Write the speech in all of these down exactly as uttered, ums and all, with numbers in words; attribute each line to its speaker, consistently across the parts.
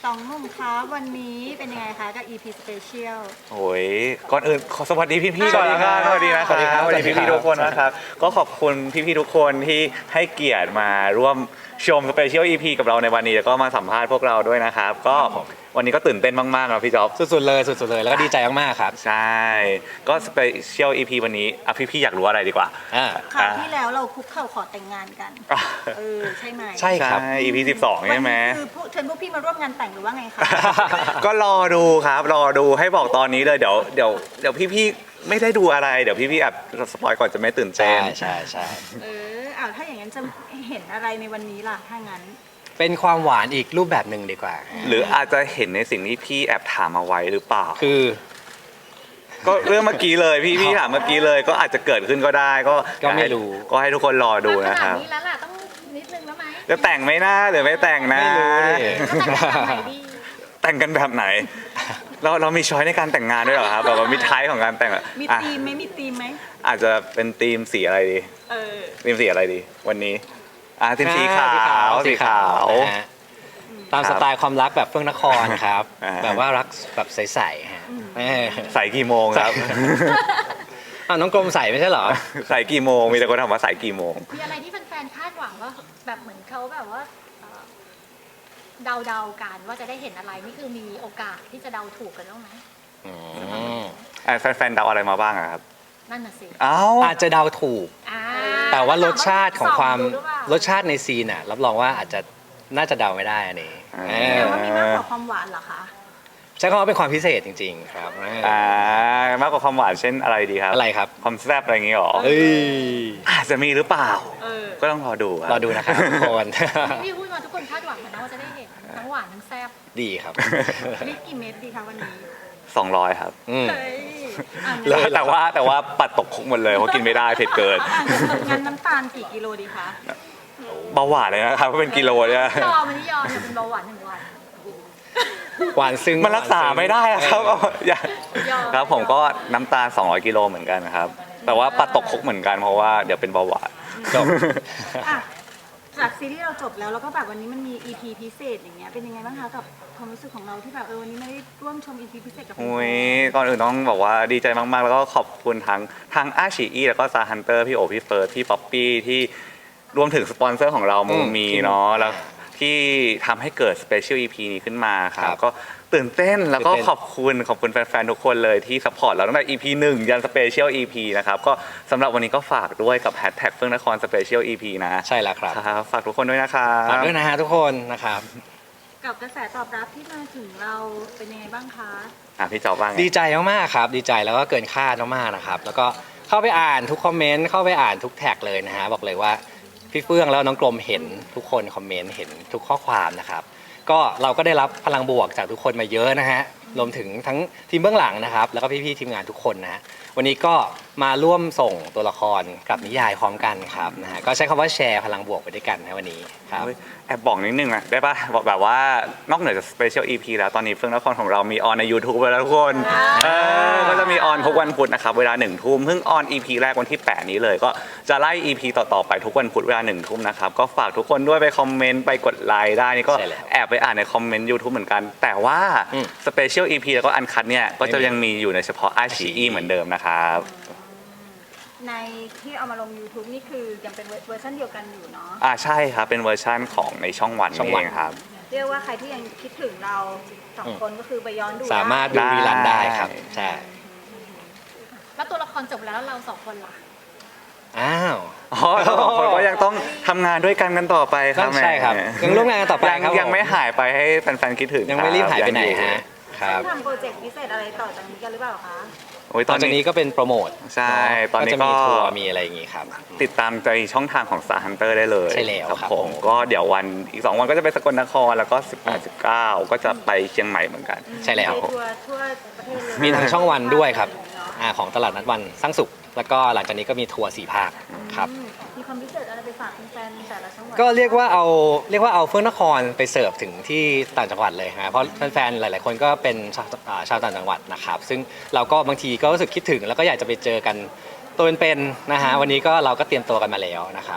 Speaker 1: องหนุ่มคะวันนี้เป็นยังไงคะกับ อี พี Special
Speaker 2: โอ้ยก่อนอื่นขอสวัสดีพี่ๆก่อนนะค
Speaker 1: ส
Speaker 2: รับส
Speaker 1: วั
Speaker 2: วั
Speaker 1: ส
Speaker 2: ส
Speaker 1: ดี
Speaker 2: ดี
Speaker 1: ครั
Speaker 2: นะ
Speaker 1: บ
Speaker 2: ครับสวัสดีพี่ๆทุกคนนะครับก็ขอบคุณพี่ๆทุกคนที่ให้เกียรติมาร่วมชมสเปเชียล อี พี กับเราในวันนี้แล้วก็มาสัมภาษณ์พวกเราด้วยนะครับก็วันนี้ก็ตื่นเต้นมากๆนะพี่จ๊อบ
Speaker 3: สุดๆเลยสุดๆเลยแล้วก็ดีใจมากๆครับ
Speaker 2: ใช่ก็สเปเชียล อี พี วันนี้อ่ะพี่ๆอยากรู้อะไรดีกว่า
Speaker 3: อ่า
Speaker 1: คราวที่แล้วเราคุกเข่าขอแต่งงานกัน
Speaker 2: อ่ะ
Speaker 1: เออ ใช่ไหม
Speaker 3: ใช่ครับ
Speaker 2: ใช่ อี พี สิบสอง
Speaker 1: วัน
Speaker 2: ใช่ไหม
Speaker 1: นี้คือพวกเชิญพวกพี่มาร่วมงานแต่งหรือว่าไงคะ
Speaker 2: ก็รอดูครับรอดูให้บอกตอนนี้เลยเดี๋ยวเดี๋ยวเดี๋ยวพี่ๆไม่ได้ดูอะไรเดี๋ยวพี่ๆอาจสปอยก่อนจะไม่ตื่นเต้
Speaker 3: ใช่
Speaker 2: น
Speaker 3: ใช่ใช่
Speaker 1: เอออ้าวถ้าอย่างนั้นจะเห็นอะไรในวันนี้ล่ะถ้างั้น
Speaker 3: เป็นความหวานอีกรูปแบบหนึ่งดีกว่า
Speaker 2: หรืออาจจะเห็นในสิ่งที่พี่แอบถามเอาไว้หรือเปล่า
Speaker 3: คือ
Speaker 2: ก็เรื่องเมื่อกี้เลยพี่พี่ถามเมื่อกี้เลยก็อาจจะเกิดขึ้นก็ได้ก็
Speaker 3: ก็ไม่รู้
Speaker 2: ก็ให้ทุกคนรอดูนะครับ
Speaker 4: ขนาดนี้แล้วล่ะต้องนิดนึงแล้วไหม
Speaker 2: จะแต่งไหมนะหรือไม่แต่งนะ
Speaker 3: ไม่รู้ดิ
Speaker 4: แล้วแต่งแบบไหนดี
Speaker 2: แต่งกันแบบไหน เราเรามีช้อยในการแต่งงานด้วยเหรอครับแบบว่ามีท้ายของการแต่งอะ
Speaker 1: มี
Speaker 2: อ่ะ
Speaker 1: ธีมไหมมีธีมไหม
Speaker 2: อาจจะเป็นธีมสีอะไรดี
Speaker 1: เออ
Speaker 2: ธีมสีอะไรดี วันนี้อ่ะธีมสีขาวสีขาว
Speaker 3: นะฮะตามสไตล์ความรักแบบเฟื่องนครครับ
Speaker 2: อ่า
Speaker 3: แบบว่ารักแบบใสๆฮะเออ
Speaker 2: ใส่กี่โมงครับ
Speaker 3: อ้าวน้องกรมใส่ไม่ใช่เหรอ
Speaker 2: ใส่กี่โมงมีแต่คนถามว่าใส่กี่โมง
Speaker 4: มีอะไรที่แฟนๆคาดหวังว่าแบบเหมือนเขาแบบว่าเอ่อเดาๆกันว่าจะได้เห็นอะไรนี่คือมีโอกาสที่จะเดาถูกกันบ้างไหม
Speaker 3: อืม
Speaker 2: อ่ะแฟนๆเดาอะไรมาบ้างอะครับ
Speaker 4: นั่นน่ะสิ
Speaker 2: เอ้า
Speaker 3: อาจจะเดาถูก
Speaker 4: อ่า
Speaker 3: แต่ว่ารสชาติของความ
Speaker 4: ส่ดูหอเปล่
Speaker 3: รสชาติในซีนอ่ะรับรองว่าอาจจะน่าจะเดาไม่ได้อันนี้
Speaker 2: อ่า
Speaker 3: เอ
Speaker 1: แต่
Speaker 3: อ
Speaker 1: ว่ามีมากกว่าความหวานเหรอคะ
Speaker 3: ใช้คำว่าเป็นความพิเศษจริง ๆ ครับเออ
Speaker 2: อ่ามากกว่าความหวานเช่นอะไรดีครับ
Speaker 3: อะไรครับ
Speaker 2: ความแซ่บอะไรอย่างงี้หรอ
Speaker 3: เอ้ย
Speaker 2: อาจจะมีหรือเปล่า
Speaker 1: เออ
Speaker 2: ก็ต้องรอดูคบ
Speaker 3: รอดูนะครับทุกคน
Speaker 4: ที่พูดมาทุกคนคาดหวังกันนะว่าจะได้เห็นทั้งหวานทั้งแซ่บ
Speaker 3: ดีครับ
Speaker 1: ลิตรกี่เม็ดดีคะวันนี้
Speaker 2: สองร้อยครับ
Speaker 3: อืม
Speaker 1: เฮ้ยอ่ะ
Speaker 3: เล
Speaker 1: งั้น
Speaker 3: ย
Speaker 2: แต่ว่าแต่ว่าปัดตกคุกหมดเลยเพราะกินไม่ได้เผ็ดเกิน
Speaker 1: อ่ะงั้นน้ำตาลกี่กิโลดีคะ
Speaker 2: เบาหวานเลยนะครับเป็นกิโลเนี่ย
Speaker 4: ยอมมันนี่ยอมจะเป็นเบาหวานหนึ่งวัน
Speaker 3: หวานซึ้ง
Speaker 2: มันรักษาไม่ได้อะครับ
Speaker 3: เออ
Speaker 2: อย่า
Speaker 4: ยอม
Speaker 2: ครับผมก็น้ำตาลสองร้อยกิโลเหมือนกันนะครับ แต่ว่าปัดตกคุกเหมือนกันเพราะว่าเดี๋ยวเป็นเบาหวาน
Speaker 3: จบ
Speaker 1: อ่ะจากซีรีส์เราจบแล้วแล้วก็แบบวันนี้มันมี อี พี พิเศษอย่างเงี้ยเป็นยังไงบ้างคะกับความรู้สึกของเราที่แบบเออวันนี้ไม่ได้ร่วมชม อี พี พิเศษกับแฟนๆ
Speaker 2: อุ้ยก่อนอื่นต้องบอกว่าดีใจมากๆ แล้วก็ขอบคุณทั้งทางอาชีอีแล้วก็ซาฮันเตอร์พี่โอพี่เฟิร์สพี่ป๊อปปี้ที่รวมถึงสปอนเซอร์ของเรา
Speaker 3: อื
Speaker 2: มู
Speaker 3: ม
Speaker 2: มี
Speaker 3: ที่
Speaker 2: เนาะแล้วที่ทำให้เกิดสเปเชียลอีพีนี้ขึ้นมาครั
Speaker 3: ครับ บ
Speaker 2: ก็ตื่นเต้นแล้วก็
Speaker 3: ตื่นเต้น
Speaker 2: ขอบคุณขอบคุณแฟนๆ ทุกคนเลยที่สปอร์ตเราตั้งแต่ อี พี หนึ่งยันสเปเชียล อี พี นะครับก็สำหรับวันนี้ก็ฝากด้วยกับแฮชแท็กเฟื่องนครสเปเชียล อี พี นะ
Speaker 3: ใช่แล้วครับ
Speaker 2: ครับฝากทุกคนด้วยนะครั
Speaker 3: ฝาก
Speaker 2: บ
Speaker 3: ด้วยนะฮะทุกคนนะครับ
Speaker 1: กับกระแสตอบรับที่มาถึงเราเป็นยังไงบ้างคะ
Speaker 2: อ่ะพี่จอบบ้างไง
Speaker 3: ดีใจมากๆครับ ดีใจแล้วก็เกินคาดมากๆนะครับ แล้วก็เข้าไปอ่านทุกคอมเมนต์เข้าไปอ่านทุกแท็กเลยนะฮะบอกเลยว่าพี่เฟื่องแล้วน้องกลมเห็นทุกคนคอมเมนต์เห็นทุกข้อความนะครับ ก็เราก็ได้รับพลังบวกจากทุกคนมาเยอะนะฮะรวมถึงทั้งทีมเบื้องหลังนะครับ แล้วก็พี่ๆทีมงานทุกคนนะฮะวันนี้ก็มาร่วมส่งตัวละครกับนิยายพร้อมกันครับนะฮะก็ใช้คำว่าแชร์พลังบวกไปด้วยกันนะวันนี้ครับ
Speaker 2: เฮ้ยแอบบอกนิดนึงนะได้ปะบอกแบบว่านอกเหนือจากสเปเชียล อี พี แล้วตอนนี้เฟื่องนครของเรามีออนใน YouTube ไปแล้วทุกคนเออก็จะมีออนทุกวันพุธนะครับเวลาหนึ่งทุ่มเพิ่งออน อี พี แรกวันที่แปดนี้เลยก็จะไล่ อี พี ต่อๆไปทุกวันพุธเวลาหนึ่งทุ่มนะครับก็ฝากทุกคนด้วยไปคอมเมนต์ไปกดไลค์ได้นี่ก็
Speaker 3: ใช่แล้ว
Speaker 2: แอบไปอ่านในคอมเมนต์ YouTube เหมือนกัน แต่ว่า
Speaker 3: อืม
Speaker 2: สเปเชียล อี พี แล้วก็อันคัดเนี่ยก็จะยังมีอยู่ในเฉพาะไอชีอีเหมือนเดิมนะครับ
Speaker 1: ในที่เอามาลง YouTube นี่คือยังเป็นเวอร์ชันเดียวกันอยู่เนาะ
Speaker 2: อ่าใช่ครับเป็นเวอร์ชั่นของในช่องวัน
Speaker 3: ช่อง
Speaker 2: นี่
Speaker 3: วัน
Speaker 2: เองครับ
Speaker 1: เรียกว่าใครที่ยังคิดถึงเราสองคนก็คือไปย้อนดู
Speaker 3: สามารถดู
Speaker 2: ได้
Speaker 3: รีลันได้ครับใช่
Speaker 4: แล้วตัวละครจบแล้วเราสองคนล่ะ
Speaker 3: อ้าว
Speaker 2: อ๋อเราสองคนก็ยังต้องทำงานด้วยกันกันต่อไปครับ
Speaker 3: ใช่ครับ
Speaker 2: แหม
Speaker 3: ยังร่วมงานกันต่อไป
Speaker 2: ยัง
Speaker 3: ครับ
Speaker 2: ยัง
Speaker 3: ผม
Speaker 2: ไม่หายไปให้แฟนๆคิดถึง
Speaker 3: ยังไม่รีบหายไปไหน
Speaker 2: งอ
Speaker 3: ฮะครับ
Speaker 1: ทำโปรเจกต์พิเศษอะไรต่อจากนี้กันหรือเปล่าคะ
Speaker 2: โอ้ย
Speaker 3: ต
Speaker 2: ต
Speaker 3: อ
Speaker 2: อน น
Speaker 3: จาก
Speaker 2: นี้
Speaker 3: นี้ก็เป็นโปรโมท
Speaker 2: ใช่ตอนนี้
Speaker 3: จะมี
Speaker 2: ก็
Speaker 3: ทัวร์มีอะไรอย่างงี้ครับ
Speaker 2: ติดตามในช่องทางของ Star Hunter ได้เลย
Speaker 3: ใช่แล้วครับ
Speaker 2: ผม
Speaker 3: ผม
Speaker 2: ก็เดี๋ยววันอีกสองวันก็จะไปสกลนครแล้วก็สิบแปด สิบเก้าก็จะไปเชียงใหม่เหมือนกัน
Speaker 3: ใช่แล้ว
Speaker 1: ไปทัวร์ทั่วประเทศเลย
Speaker 3: มีทั้งช่องวันด้วยครับ
Speaker 1: เนาะ
Speaker 3: อ่าของตลาดนัดวันสร้างสุข แล้วก็หลังจากนี้ก็มีทัวร์สี่ภาคครับ
Speaker 1: อืมมีความพิเศษอะไรไปฝากแฟนๆแต่ละจังหวัด
Speaker 3: ก็เรียกว่าเอาเรียกว่าเอาเฟื่องนครไปเสิร์ฟถึงที่ต่างจังหวัดเลยฮะเพราะแฟนๆหลาย ๆ คนก็เป็นชาวอ่าชาวต่างจังหวัดนะครับซึ่งเราก็บางทีก็รู้สึกคิดถึง แล้วก็อยากจะไปเจอกันตัวเป็นๆนะฮะวันนี้ก็เราก็เตรียมตัวกันมาแล้วนะครับ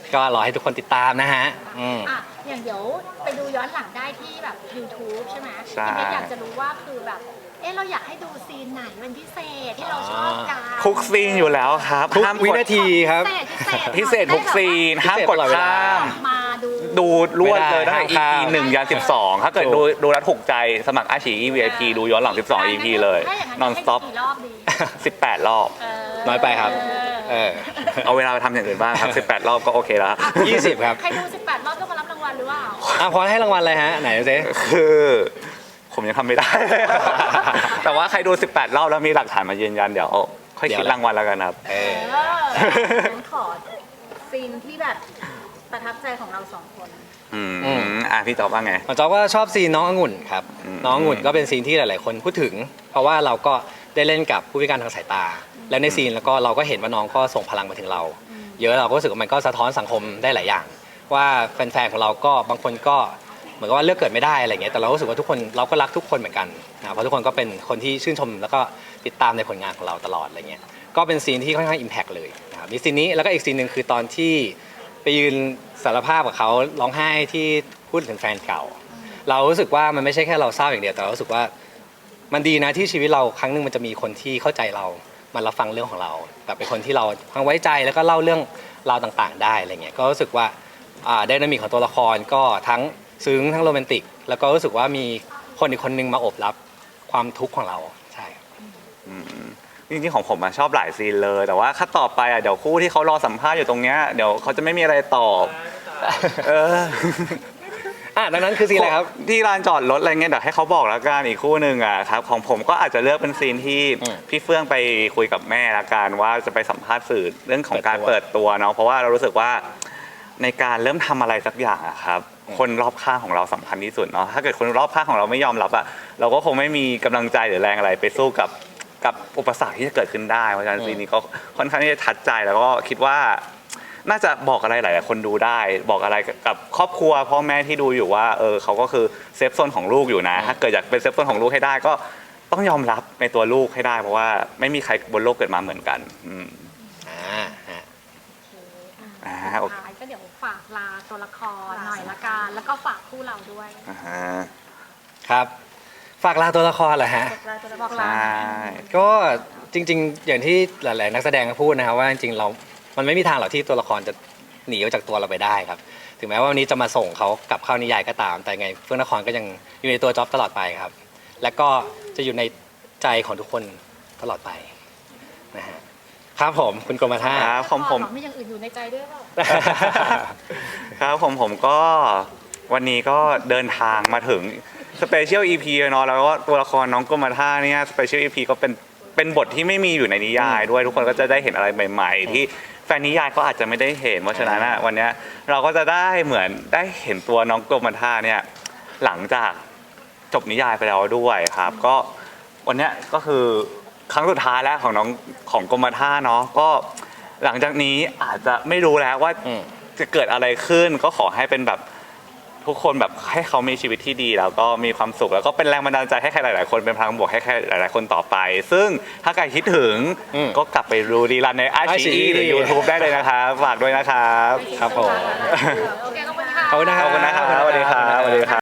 Speaker 3: ก็รอให้ทุกคนติดตามนะฮะอืม
Speaker 4: อ่ะอย่างเดี๋ยวไปดูย้อนหลังได้ที่แบบ YouTube ใช่ไหม
Speaker 2: ใช่
Speaker 4: ทีนี้อยากจะรู้ว่าคือแบบ เอ๊ะเราอยากให้ดูซีนไหนเป็นพิเศษที่เราชอบกัน
Speaker 2: ทุกซีนอยู่แล้วครับ
Speaker 3: ทุก
Speaker 2: ห้าม
Speaker 3: วิ
Speaker 2: กด
Speaker 3: นาทีครับ
Speaker 4: พิเศษพิเศษ
Speaker 2: พิเศษทุกซีนห้ามกดข้าม
Speaker 4: มาดู
Speaker 2: ดูรวดเลยตั้งแต่
Speaker 3: ไม่ได้
Speaker 2: อี
Speaker 3: ห้าม
Speaker 2: พี
Speaker 3: ข้าม
Speaker 2: หนึ่งยันสิบสองถ้าเกิด
Speaker 3: ถู
Speaker 2: ดู
Speaker 3: ก
Speaker 2: ดูแล้วถูกใจสมัครอาชี วี ไอ พี ดูย้อนหลังสิบสอง อี พี เลย
Speaker 4: ถ้าอย่างนั้น
Speaker 2: non
Speaker 4: ให้
Speaker 2: stop
Speaker 4: กี่รอบดี
Speaker 2: สิบแปดรอบ
Speaker 4: เออ
Speaker 3: น้อยไปครับ เออ
Speaker 2: เอาเวลาไปทำอย่างอื่นบ้างครับสิบแปดรอบก็โอเคแล้ว
Speaker 3: ยี่สิบครับ
Speaker 4: ใครดู สิบแปด รอบต้องมารับรางวัลหรือเปล่า
Speaker 3: อ่ะพอให้รางวัลอะไรฮะ ไหนดูสิ
Speaker 2: คือ ผมยังทำไม่ได้ แต่ว่าใครดูสิบแปดรอบแล้วมีหลักฐานมายืนยันเดี๋ยวค่อยคิดรางวัลแล้วกันครับ
Speaker 3: เออ
Speaker 1: เอองั้นขอซีนที่แบบประทับใจของเราสองคน
Speaker 2: อืม
Speaker 3: อืม
Speaker 2: อ่ะพี่ตอบว่าไง
Speaker 3: ผมจอบว่าชอบซีนน้ององุ่นครับ
Speaker 2: อืม
Speaker 3: น้ององุ่นก็เป็นซีนที่หลาย ๆ คนพูดถึง เพราะว่าเราก็ได้เล่นกับผู้พิการทางสายตา และในซีนแล้วก็เราก็เห็นว่าน้องก็ส่งพลังมาถึงเรา เยอะเราก็รู้สึกว่ามันก็สะท้อนสังคมได้หลายอย่าง ว่าแฟน ๆ ของเราก็บางคนก็เหมือนกับว่าเลือกเกิดไม่ได้อะไรเงี้ยแต่เรารู้สึกว่าทุกคนเราก็รักทุกคนเหมือนกันนะเพราะทุกคนก็เป็นคนที่ชื่นชมแล้วก็ติดตามในผลงานของเราตลอดอะไรเงี้ยก็เป็นซีนที่ค่อนข้างอิมแพกเลยนะครับมีซีนนี้แล้วก็อีกซีนหนึ่งคือตอนที่ไปยืนสารภาพกับเขาร้องไห้ที่พูดถึงแฟนเก่า เรารู้สึกว่ามันไม่ใช่แค่เราเศร้าอย่างเดียวแต่เรารู้สึกว่ามันดีนะที่ชีวิตเราครั้งหนึ่งมันจะมีคนที่เข้าใจเรามารับฟังเรื่องของเราแบบเป็นคนที่เราพังไว้ใจแล้วก็เล่าเรื่องราวต่างๆ ได้อะไรเงี้ยก็รู้สึกว่าไดนามิกของตัวละครก็ทั้งซึ้งทั้งโรแมนติก แล้วก็รู้สึกว่ามีคนอีกคนนึงมาโอบรับความทุกข์ของเราใช่ครับ
Speaker 2: อืมจริงๆของผมอะชอบหลายซีนเลย แต่ว่าถ้าต่อไปอะเดี๋ยวคู่ที่เขารอสัมภาษณ์อยู่ตรงเนี้ยเดี๋ยวเขาจะไม่มีอะไรตอบ เออ
Speaker 3: อ่ะดังนั้นคือซีนอะไรครับ
Speaker 2: ที่ลานจอดรถอะไรเงี้ยเดี๋ยวให้เขาบอกแล้วกันอีกคู่หนึ่งอะครับของผมก็อาจจะเลือกเป็นซีนที่
Speaker 3: อืม
Speaker 2: พี่เฟื่องไปคุยกับแม่ละกันว่าจะไปสัมภาษณ์สื่อเรื่องของการ
Speaker 3: เปิ
Speaker 2: เปิ
Speaker 3: ด
Speaker 2: ด
Speaker 3: ตั
Speaker 2: ตัว วเนาะเพราะว่าเรารู้สึกว่าในการเริ่มทำอะไรสักอย่างอะครับคนรอบข้างของเราสำคัญที่สุดเนาะถ้าเกิดคนรอบข้างของเราไม่ยอมรับอะเราก็คงไม่มีกำลังใจหรือแรงอะไรไปสู้กับกับอุปสรรคที่จะเกิดขึ้นได้เพราะฉะนั้นซีนนี้ก็ค่อนข้างที่จะทัดใจแล้วก็คิดว่า น่าจะบอกอะไรหลายๆคนดูได้ บอกอะไรกับครอบครัวพ่อแม่ที่ดูอยู่ว่าเออเขาก็คือเซฟโซนของลูกอยู่นะ ถ้าเกิดอยากเป็นเซฟโซนของลูกให้ได้ก็ต้องยอมรับในตัวลูกให้ได้ เพราะว่าไม่มีใครบนโลกเกิดมาเหมือนกันอืม
Speaker 3: อ่าฮะ
Speaker 2: อ่า
Speaker 4: สุ
Speaker 2: โอ
Speaker 4: ด
Speaker 2: เค
Speaker 4: ท้ายก็เดี๋ยวฝากลาตัวละครหน่อยละกันแล้วก็ฝากคู่เราด้วย
Speaker 2: อ่าฮะ
Speaker 3: ครับ ฝากลาตัวละครเหรอฮะ
Speaker 4: บอก
Speaker 2: ใช
Speaker 4: ลา
Speaker 2: ่
Speaker 3: ก็จริง ๆ อย่างที่หลาย ๆ นักแสดงก็พูดนะครับว่าจริงๆเรา มันไม่มีทางหรอกที่ตัวละครจะหนีออกจากตัวเราไปได้ครับ ถึงแม้ว่าวันนี้จะมาส่งเขากลับเข้านิยายก็ตาม แต่ไงเฟื่องนครก็ยังอยู่ในตัวจ็อบตลอดไปครับ และก็จะอยู่ในใจของทุกคนตลอดไปนะฮะครับผมคุณกรมท่า
Speaker 2: ครับผมผม
Speaker 4: ไม่อย่างอื่นอยู่ในใจด้วยเปล่า
Speaker 2: ครับผมผมก็วันนี้ก็เดินทางมาถึงสเปเชียลอีพีเนาะแล้วก็ตัวละครน้องกรมท่าเนี่ยสเปเชียลอีพีก็เป็นเป็นบทที่ไม่มีอยู่ในนิยายด้วยทุกคนก็จะได้เห็นอะไรใหม่ ๆ ที่แฟนนิยายก็อาจจะไม่ได้เห็นเพราะฉะนั้นอะวันเนี้ยเราก็จะได้เหมือนได้เห็นตัวน้องกรมท่าเนี่ยหลังจากจบนิยายไปแล้วด้วยครับ ก็วันเนี้ยก็คือครั้งสุดท้ายแล้วของน้องของกรมท่าเนาะก็หลังจากนี้อาจจะไม่รู้แล้วว่า
Speaker 3: อืม
Speaker 2: จะเกิดอะไรขึ้นก็ขอให้เป็นแบบทุกคนแบบให้เขามีชีวิตที่ดีแล้วก็มีความสุขแล้วก็เป็นแรงบันดาลใจให้ใครหลาย ๆ คนเป็นพลังบวกให้ใครหลาย ๆ คนต่อไป ซึ่งถ้าใครคิดถึง
Speaker 3: อืม
Speaker 2: ก็กลับไปดูดีรันในไอชี
Speaker 3: ไอ
Speaker 2: หรือ YouTube ได้เลยนะครับฝากด้วยนะครับ
Speaker 3: ครับผม
Speaker 4: โอเคขอบคุณค่ะ
Speaker 3: ขอบคุณนะค
Speaker 2: ข
Speaker 3: รับ
Speaker 2: อบคุณนะครับสวัสดีครับสวัสดีครับ